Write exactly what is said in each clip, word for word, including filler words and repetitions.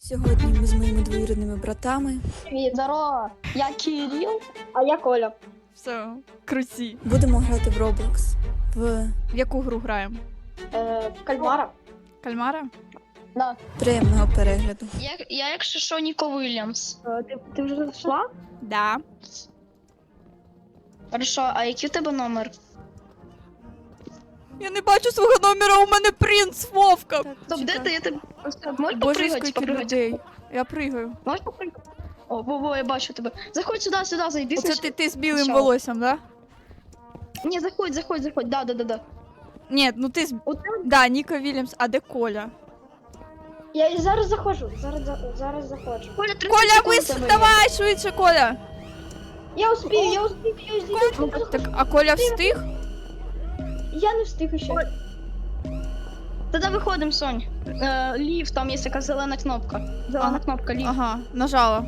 Сьогодні ми з моїми двоюрідними братами Привіт, здорово. Я Кирил, а я Коля. Все, круті. будемо грати в Roblox. В В яку гру граємо? Е, Кальмара. Кальмара? Да. приємного перегляду. Я, я якщо що, Ніко Вільямс. Е, ти, ти вже зайшла? Да. Хорошо, а який у тебе номер? Я не бачу свого номера, у мене принц Вовка. Стоп, де ти? Я тебе... Можеш Боже, попригати, скільки попригати? людей. Я пригаю. Можеш попригати? О, во-во, я бачу тебе. Заходь сюди, сюди, зайди. Оце значить. ти, ти з білим Що? волоссям, да? Ні, заходь, заходь, заходь. Да, да, да, да. Ні, ну ти з... От там Да, Ніко Вільямс, а де Коля? Я і зараз заходжу. Зараз, за- зараз заходжу. Коля, тридцять Коля, секунд вис... тебе є. давай швидше, Коля. Я успію, я успію, я успію. Так, а Коля встиг? Я не встиг ще. Тоді виходимо, Сонь. Е, лів, там є така зелена кнопка. Зелена Ага. кнопка, лів. Ага, нажала.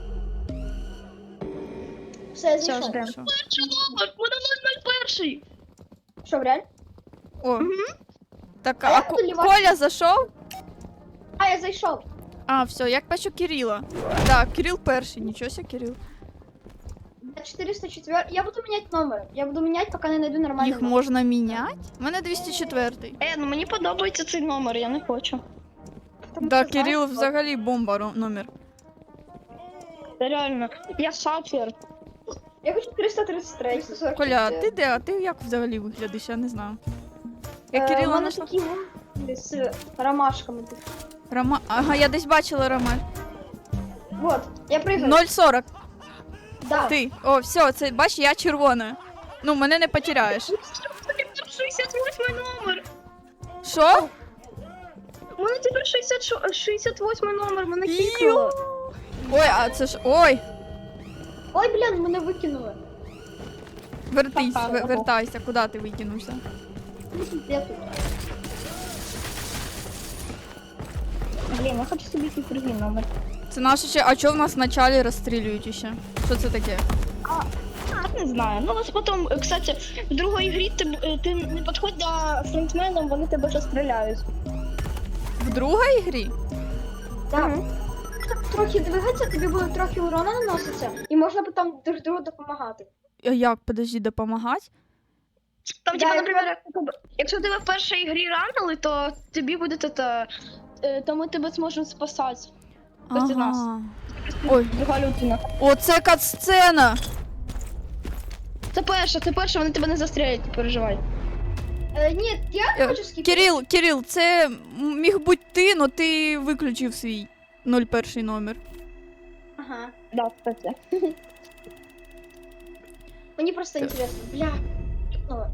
Все, я Все, зайшов. ждемо. Що? Перший номер, буде нуль нуль один. Що, реально? О. Так, А а я Ко- буду лівати. Коля зайшов? А, я зайшов. А, все, як бачу Кирила. Так, Кирил перший, нічого себе, Кирил. четыреста четыре. Я буду менять номер. Я буду менять, пока не найду нормальный Їх номер. можна міняти? У мене двісті четвертий. Е, ну мені подобається цей номер, я не хочу. Потому Да, что, знаешь, Кирил вот, взагалі бомба ро- номер. Це реально. Я сапфір. Я хочу триста тридцать три. триста сорок Коля, а четыре. ти де? А ти як взагалі виглядиш? Я не знаю. Я Е, у Кирила мене знайшла. такі вон з ромашками. тут. Рома... Ага, я десь бачила Ромаль. Вот, я прыгаю. нуль сорок. Да. Ти. О, все, це бач, я червона. Ну, мене не потеряєш. шістдесят восьмий номер. Що? У мене тепер шістдесят, шістдесят восьмий номер, мене Ю. кікнуло. Ой, а це ж. Ой! Ой, блін, мене викинули. Вертись, Ха-ха, ве- ого. вертайся, куди ти викинувся? Я тут. Блін, я хочу собі якийсь другий номер. Це наше ще. А чого в нас в началі розстрілюють іще? Що це таке? А, не знаю. Ну, ось потім, е, кстати, в другій грі ти, е, ти не підходь до фронтменам, вони тебе розстріляють. В другій грі? Так. Трохи двигатися, тобі буде трохи урона наноситься, і можна потім друг другу допомагати. А як, подожди, допомагати? Там, Да, типа, я наприклад, якщо тебе в першій грі ранили, то тобі буде це, е, то ми тебе зможемо спасати. Проти нас. Ага. Ой, Друга людина. оце кат-сцена! Це перша, це перша, вони тебе не застрілять, не переживай. Е, ні, я Е, хочу скіпати. Кирил, Кирил, це міг бути ти, но ти виключив свій нуль перший номер. Ага. Да, кстати. Мені просто Так. інтересно. Бля. Кіпнула.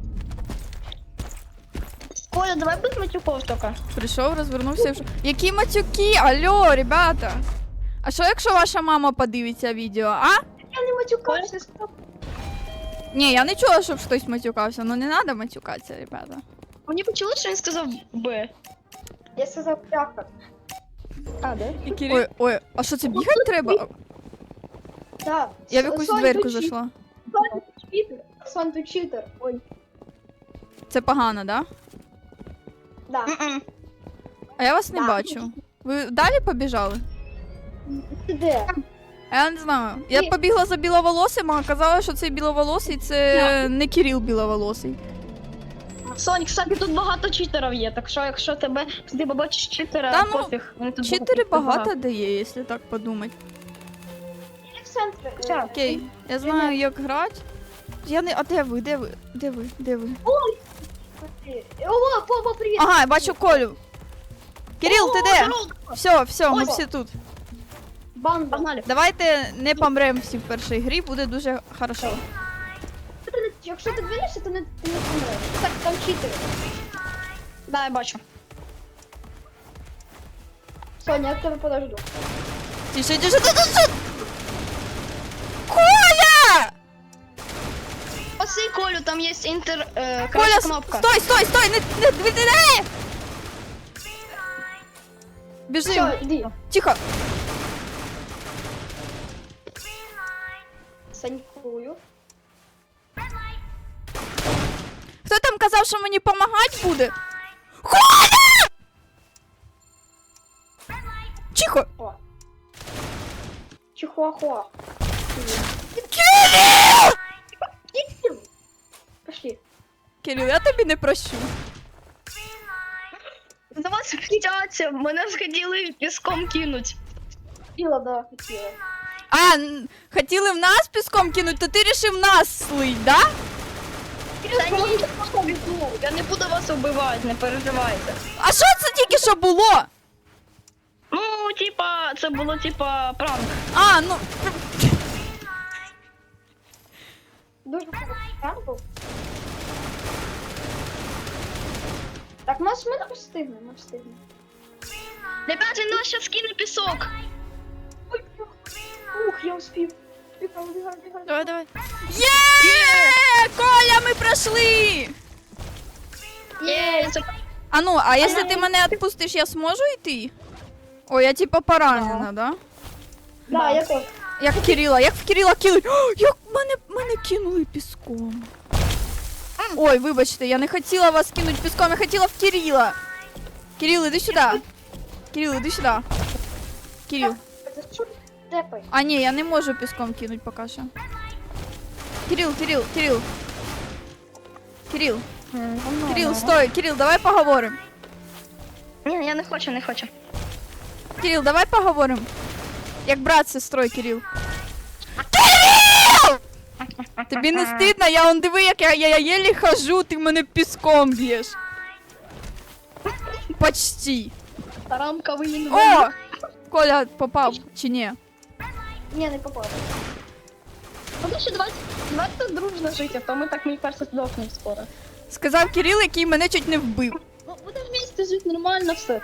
Коля, давай без матюков тільки. Прийшов, розвернувся і вже. Які матюки? Алло, ребята! А що якщо ваша мама подивиться відео, а? Я не матюкався, стоп. Ні, я не чула, щоб хтось матюкався, ну не треба матюкатися, ребята. Мені почули, що він сказав Б. Я сказав пляха. А, да? І Кирил... Ой, ой, а що це бігати треба? Да. Я в Сон- якусь Сон, дверку ти чит- зайшла. Сон, ти читер. Сон, ти читер. Ой. Це погано, да? Да. М-м. А я вас не Да. бачу. Ви далі побіжали? Ти де? А я не знаю. Я Ні. побігла за біловолосим, а казалось, що цей біловолосий це не Кирил біловолосий. Сонь, кстати, тут багато читерів є, так що якщо тебе ти побачиш читера, Та ну, пофіг. Вони тут Чотири багато дає, якщо так подумати. Я в центрі. е, Ща. Окей, я знаю, як грати. Я не. А де ви? Де ви? Де ви? Де ви? ти. О, Попа, привіт. Ага, я бачу Колю. Кирил, ти де? Здорово. Все, все, ми Ой. всі тут. Банда. Погнали. Давайте не помремо всі в першій грі, буде дуже хорошо. Ти не- Якщо ти двинешся, то не, ти не помреш. Так, там читери. Да, я бачу. Соня, я тебе подожду. Тише, тише, тише, тише! Коля! Спаси Колю, там є інтер... Е, Коля, красна с- кнопка. стой, стой, стой! Не, не, не, не, не! Біжим! Все, йди. Тихо! Санькую. Хто там казав, що мені допомагати буде? Коля! Чихо! Чихуахуа. Кирил! Пошли. Кирил, я тобі не прощу. За вас хотяться, мене сходили піском кинуть. Хотіла, да, хотіла. А, н- хотіли в нас піском кинуть, то ти рішив нас слить, да? Та ні, я не буду вас убивати, не переживайте. А що це тільки що було? Ну, типа, це було типа пранк. А, ну. Дуже хороший план був. Так, ми, ми не встигнемо, ми встигнемо. Ребят, він нас зараз кине пісок. Ой, ух, я успів. Бігай, бігай, бігай. Давай, давай. Є! Коля, ми пройшли! Є, це... А ну, а якщо ти мене відпустиш, я зможу йти? О, я типа поранена, да? Да, я теж. Як Кирила, як в Кирила кинуть. О, як мене, мене кинули піском. Ой, вибачте, я не хотіла вас кинуть піском, я хотіла в Кирила. Кирил, іди сюди. Кирил, іди сюди. Кирил. За що ти тепай? А ні, я не можу піском кинуть поки що. Кирил, Кирил, Кирил. Кирил, Кирил, стой, Кирил, давай поговоримо. Ні, я не хочу, не хочу. Кирил, давай поговоримо. Як брат з сестрою, Кирил. Кирил! Тобі не стидно? Я он диви, як я, я, я єлі хожу, ти мене піском б'єш. Почти. Рамковий інвалід. О! Коля попав, чи ні? Ні, не попав. Ну, ще давайте, давайте дружно жити, а то ми так, мені кажется, здохнемо скоро. Сказав Кирил, який мене чуть не вбив. Ну, будемо вместе жити, нормально все.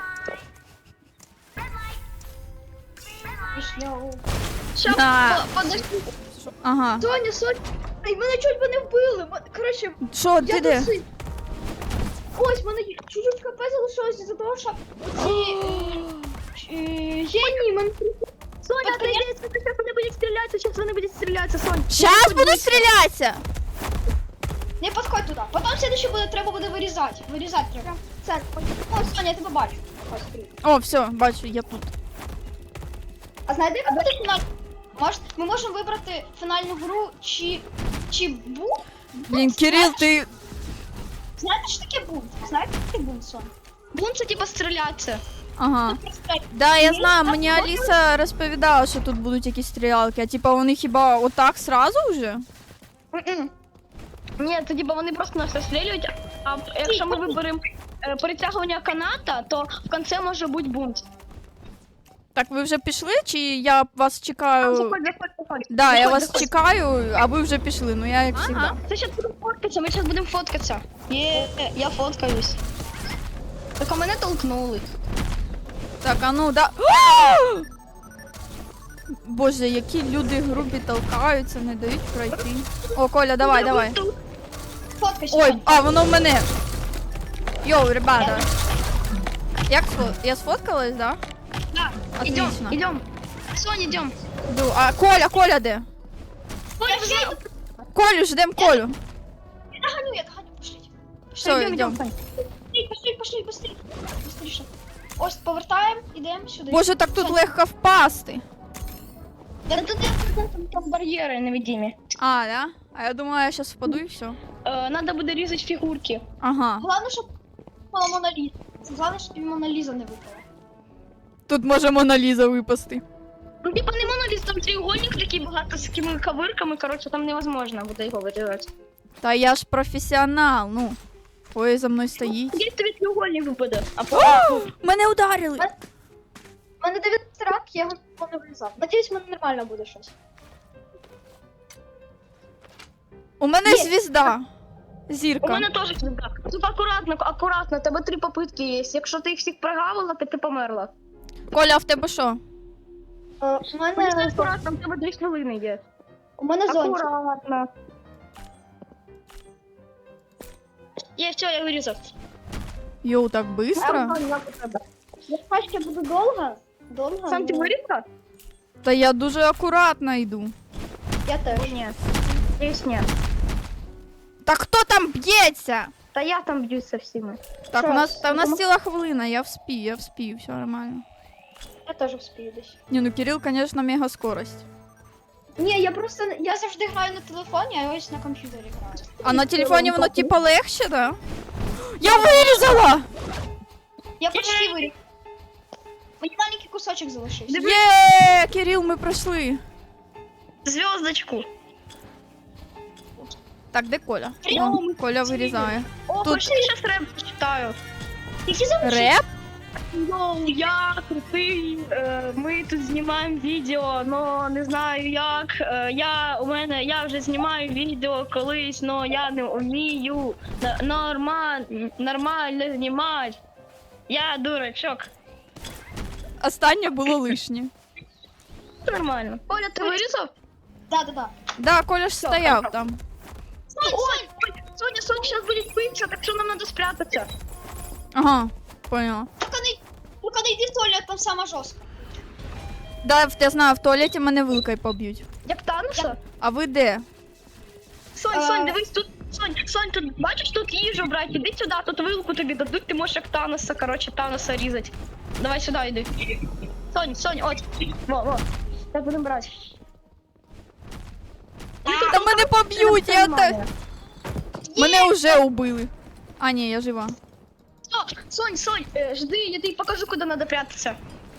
Пішня. Ща, На. по- подожди. Ага. Соня, Соня, ай, мене чуть би не вбили. М- Коротше, Що, ти я де? досить. Ось, мене чуть-чуть хп залишилось із-за того, що оці е, е, генії мене... Соня, отойди, сейчас вони будуть стрілятися, сейчас вони будуть стрілятися, Сонь. Щас буду стрілятися! Не підходь туди. Потім следующее буде, треба буде вирізати. Вирізати треба. Це, о, Соня, я тебе бачу. Ось, привіт. О, все, бачу, я тут. А знаєте, яка буде фінальна? Може, ми можемо вибрати фінальну гру чи... чи бу? Блін, Кирил, ти... Знаєте, що таке бунт? Знаєте, що таке бунт, Соня? Бунт це типа стрілятися. Ага. Просто Да, я знаю, мені Аліса розповідала, що тут будуть якісь стрілялки, а типа вони хіба отак сразу вже? М-м. Ні, це типа вони просто нас розстрілюють, а якщо ми виберемо е, перетягування каната, то в кінці може бути бунт. Так, ви вже пішли, чи я вас чекаю? Заходь, заходь, заходь. Да, я Заходь, вас заходь. чекаю, а ви вже пішли, ну я як завжди. Ага, це зараз будемо фоткатися, ми зараз будемо фоткатися. Є, я фоткаюсь. Так а мене толкнули. Так, а ну, да. Боже, які люди грубі толкаються, не дають пройти. О, Коля, давай, давай. фоткайся. Ой, Соня. а, воно в мене. Йоу, ребята. Як сфо... Я сфоткалась, да? Да, идем, Отлично. идем. Соня, идем. Йду. А Коля, Коля де? Я вже йду. Колю, ждем Колю. Я доганю, я доганю, пошліть. Все, Идем, йдем. идем. Пошли, пошли, пошли, пошли. Быстріше. Ось, повертаємо, ідемо сюди. Боже, так тут легко впасти. Я Да тут там, там бар'єри невидимі. А, да? А я думала, я сейчас впаду і все. Е, надо буде різати фігурки. Ага. Головне, щоб випала Мона Ліза. Головне, щоб і Мона Ліза не випала. Тут може Мона Ліза випасти. Ну, типа не моноліт, там треугольник такий багато з такими ковирками, коротше, там невозможно буде його вирізати. Та я ж професіонал, ну. Ой, за мною стоїть. Тоді тобі треугольник випаде. А по Мене ударили. У мене дев'ятнадцять рак, я його не вирізав. Надіюсь, в мене нормально буде щось. У мене Є. звізда. У Зірка. мене теж звізда. Тут акуратно, акуратно, тебе три попитки є. Якщо ти їх всіх прогавила, то ти померла. Коля, а в тебе що? Е, У Мені мене, акуратно, в тебе дві хвилини є. у мене зонтик. Акуратно. Є, все, я вирізав. Йоу, так быстро? Я пачка буду довго. Довго. Сам ти ну, вирізав? Та я дуже акуратно йду. Я теж. Ні. Десь ні. Та хто там б'ється? Та я там б'юсь со всіми. Так, Що, у нас, та у нас тому- ціла хвилина, я вспію, я вспію, все нормально. Я теж вспію десь. Не, ну Кирилл, конечно, мега скорость. Ні, я просто, я завжди граю на телефоні, а ось на комп'ютері граю. А на телефоні воно типа легше, да? Я вирізала! Я почти виріг. Мені маленький кусочок залишився. Є, Кирилл, ми пройшли. Зв'язочку. Так, де Коля? О, О, ми Коля вирізає. О, Тут- пошли, зараз реп читаю. Які залишився? Реп? Йоу, я крутий. Е, ми тут знімаємо відео, но не знаю як. Е, я у мене я вже знімаю відео колись, но я не вмію нормально, нормально знімати. Я дурачок. Останнє було лишнє. Нормально. Оля, ти вирізав? Да, да, да. Да, Коля ж стояв там. Сонь, Сонь! Ой, Соня, Соня зараз буде битися, так що нам треба спрятатися. Ага, поняла. Тільки не, тільки не йди в туалет, там сама жорстко. Да, я знаю, в туалеті мене вилкою поб'ють. Як Таноса? А ви де? Сонь, Е. Сонь, дивись, тут, Сонь, Сонь, тут, бачиш, тут їжу брати, іди сюди, тут вилку тобі дадуть, ти можеш як Таноса, короче, Таноса різати. Давай сюди йди. Сонь, Сонь, от, во, во, так будемо брати. Та мене поб'ють, я так... Мене вже убили. А, ні, я жива. О, Сонь, Сонь, е, жди, я тобі покажу, куди треба прятатися.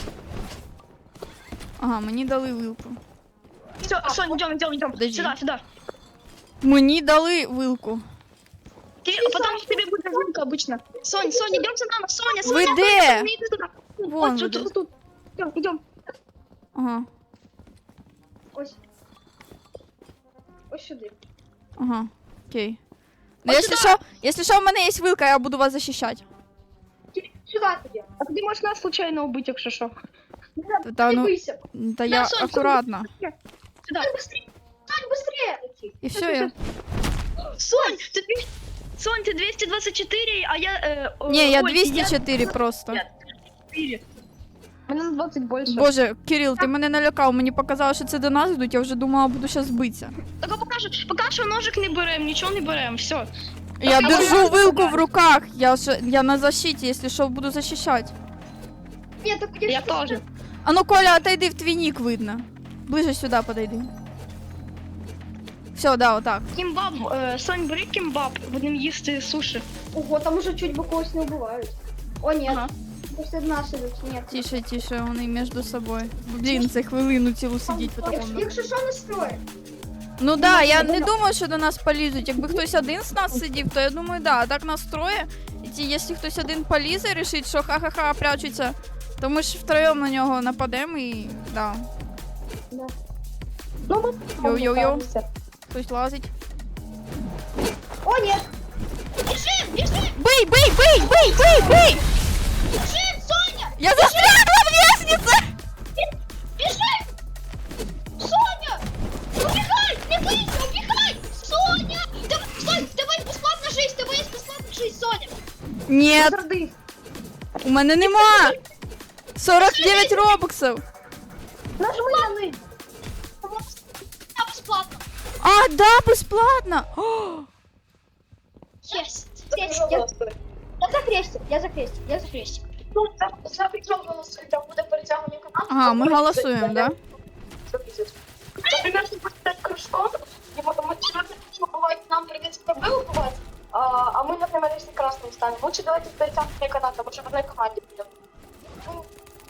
Ага, мені дали вилку. Все, Сонь, йдем, йдем, йдем, Подожди. сюди, сюди. Мені дали вилку. Ти, а потом в тебе буде вилка обычно. Сонь, Сонь, йдем за нами, Соня, Соня, Ви Соня, де? Соня, іди туди. Вон От, ви тут, де. тут, тут. Йдем, йдем. Ага, Ось. Ось сюди. ага, окей. Ну, От якщо сюди. що, якщо що, в мене є вилка, я буду вас захищати. Сюди тоді. А ти можеш нас случайно убити, якщо що. Та, та, Не ну, бийся. та я Сонь, Сонь, акуратно. Сюди. Сонь, быстрее. Сонь, быстрее. І все, я... Сонь, ти дві- Сонь, ти двісті двадцять чотири, а я... Е, о, Ні, я ой, двісті чотири просто. Я чотири. Мене на двадцять більше. Боже, Кирил, ти мене налякав, мені показало, що це до нас йдуть, я вже думала, буду зараз битися. Так поки що, поки що ножик не берем, нічого не берем, все. Я я держу можу вилку в показати. руках, я, ж, я на защиті, якщо що, буду захищати. Ні, так я, Я ж- теж. А ну, Коля, отойди, в твій нік видно. Ближе сюди подойди. Все, да, отак. Кімбаб, е, Сонь, бери кімбаб, будемо їсти суші. Ого, там уже чуть бы когось не убивають. О, ні. Ага. Пусть одна сидить. Ні. Тише, тише, вони між собою. Блін, це хвилину цілу сидіть по Якщо, такому. якщо що, не строй. Ну да, я не думаю, що до нас полізуть. Якби хтось один з нас сидів, то я думаю, да, а так нас троє. І ті, якщо хтось один полізе і рішить, що ха-ха-ха прячуться, то ми ж втроєм на нього нападемо і да. Да. Ну, Йоу-йоу-йоу. Хтось лазить. О, ні. Біжим, біжим, Бий, бий, бий, бий, бий, бий! біжим, Соня. Я застрягла в лестнице! Біжим. Соня. Убігай, не бийся, убігай. Соня. Давай, Сонь, давай безплатна жизнь, давай є безплатна жизнь, Соня. Ні, Зарди. у мене нема! сорок дев'ять робоксів! Нажми на них. Я безплатно. А, да, безплатно! О, Єсть. Єсть, я, я за хрестик, я за хрестик, я за хрестик. Ну, за, за Петром голосуй, там буде перетягування команд. Ага, ми голосуємо, да? Например, если будет пять кружков, и потом мы что бывает, нам придется пробел убивать, а, а мы, например, если красным станем. Лучше давайте перетягивание каната, лучше в одной команде будем. Ну,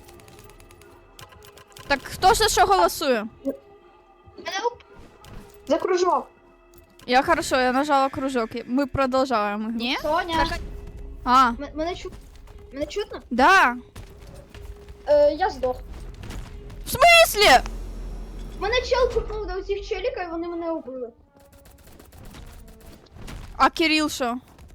Так хто ж за що голосує? Мене уп- за кружок. Я хорошо, я нажала кружок. Ми продовжуємо. Ні? Соня. А, М- Мене чу... Мене чутно? да. Е, я здох. В смислі? Мене чел купнув до цих челіка, і вони мене убили. А Кирил що?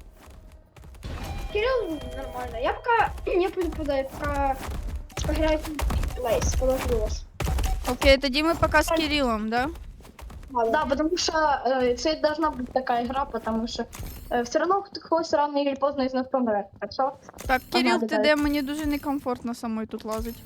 Кирилл нормально. Я пока не попадаю, пока пограю в Лейс, положу вас. Окей, тоді ми поки з Кирилом, да? Да, потому что э, это должна быть такая игра, потому что э, все равно кто-то рано или поздно из нас помрет. Так что Так, Кирил, Ага, ти давай. де? Мені дуже некомфортно самой тут лазить.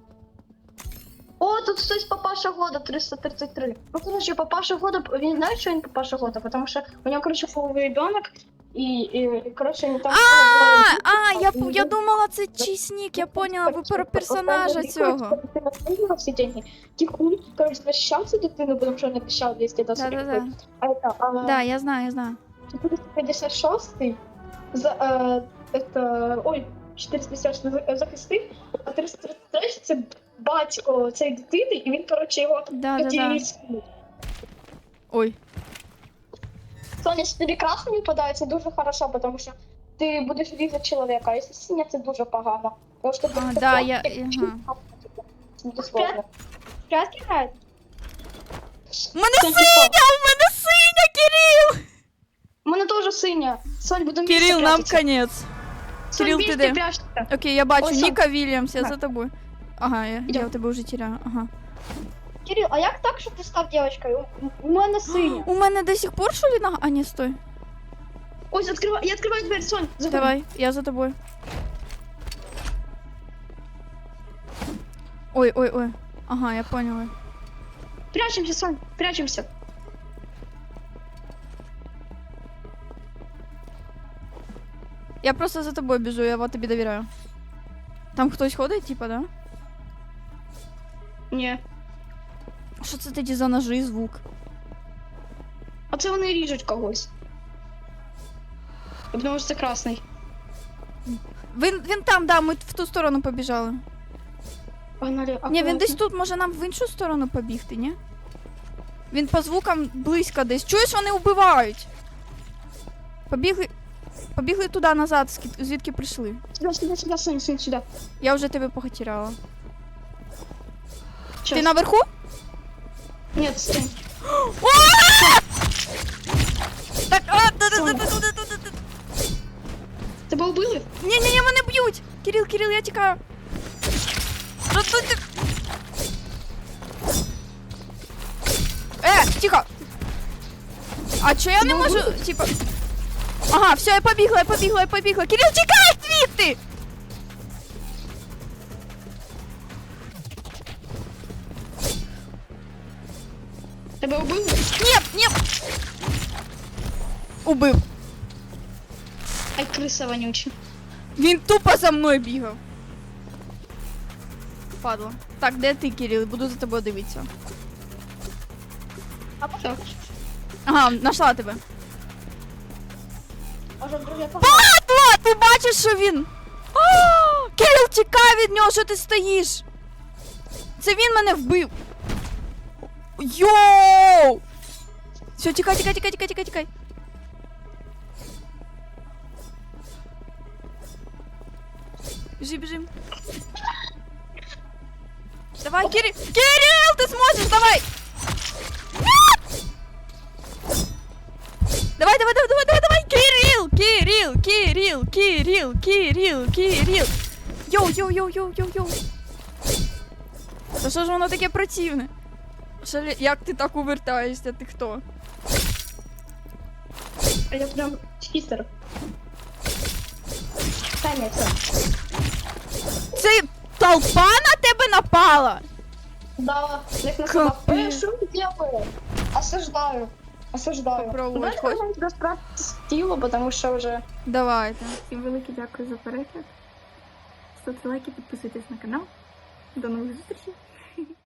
О, тут хтось папаша года триста тридцать три. Ну, короче, папаша года, він знає, що він папаша года, потому що у нього, короче, половий ребенок, і, і коротше, там... А, а, я, п- я думала, це чийсь нік, я поняла, ви про персонажа цього. Ти всі деньги. Тихун, коротше, защищався дитину, тому що не обіцяв двісті досить. Да-да-да. А это, а, Да, я знаю, я знаю. четыреста пятьдесят шесть за, э, это, ой, четыреста пятьдесят шесть захистив, а триста тридцять три це батько цієї дитини, і він, коротше, його Да-да-да. хотів. Ой. Соня, если тобі красний випадає, це дуже хорошо, тому що ти будеш різати чоловіка, а якщо синя, це дуже погано. Тому що А, да, я- ага. Буде сложно. Прятки грають? У мене синя, у мене синя, Кирил! У мене теж синя. Сонь, будемо Кирил, нам конець. Сонь, Кирил, ти вместе де? прячься. Окей, я бачу, Ось он. Ніка Вільямс, я На. за тобою. Ага, я, я Ідем. тебе вже теряю, ага. Кирил, а як так, що ти став дівчинкою? У, у мене синя. У мене до сих пор що ли нога? А, ні, стой. Ось, відкривай, я відкриваю двері, Сонь. заходи. Давай, я за тобою. Ой, ой, ой. Ага, я поняла. Прячемося, Сонь, прячемося. Я просто за тобою біжу, я вот тобі довіряю. Там хтось ходить, типа, да? Ні. Що це тоді за ножи і звук? А це вони ріжуть когось. Тому що це красний. Він, він там, да, ми в ту сторону побіжали. Погнали, Ні, він десь тут, може нам в іншу сторону побігти, ні? Він по звукам близько десь. Чуєш, вони вбивають. Побігли. Побігли туди назад, скі- звідки прийшли. Сюди, сюди, сюди, Сонь, Сонь, сюди. Я вже тебе потеряла. Щас. Ти наверху? Ні, стой. Так, а, да, да, да, да, да, да, да, да. Тебе вбили? Ні, ні, ні, мене б'ють. Кирил, Кирил, я тікаю. Рятуйте. Е, тихо. А чо я не можу, типа... Ага, все, я побігла, я побігла, я побігла. Кирил, тікай звідти! Тебе вбили? Ні, ні. Убив. Ай, криса вонюча. Він тупо за мною бігав. Падла. Так, де ти, Кирил? Буду за тобою дивитися. А потім? Ага, нашла тебе. Може, друге Падла! Ти бачиш, що він? О, Кирил, тікай від нього, що ти стоїш? Це він мене вбив. Йоу! Все, тікай, тікай, тікай, тікай, тікай, тікай. Біжи, біжи. Давай, Кирил! Кирил, ти зможеш, давай! Нет! Давай, давай, давай, давай, давай, давай! Кирил! Кирил! Кирил! Кирил! Кирил! Кирил! Йоу, йоу, йоу, йоу, йоу, йоу! Та що ж воно таке противне? Що, лі- як ти так увертаєшся? Ти хто? А я прям чистер. Та ні, все. Це толпа на тебе напала? Да, як на Капець. собак. Э, что ты делаешь? Осуждаю. Осуждаю. Попробовать Ну, хочешь? я тебя спростила, потому что уже... Давайте. Всім велике дякую за перегляд. Ставте лайки, підписуйтесь на канал. До нових зустрічей.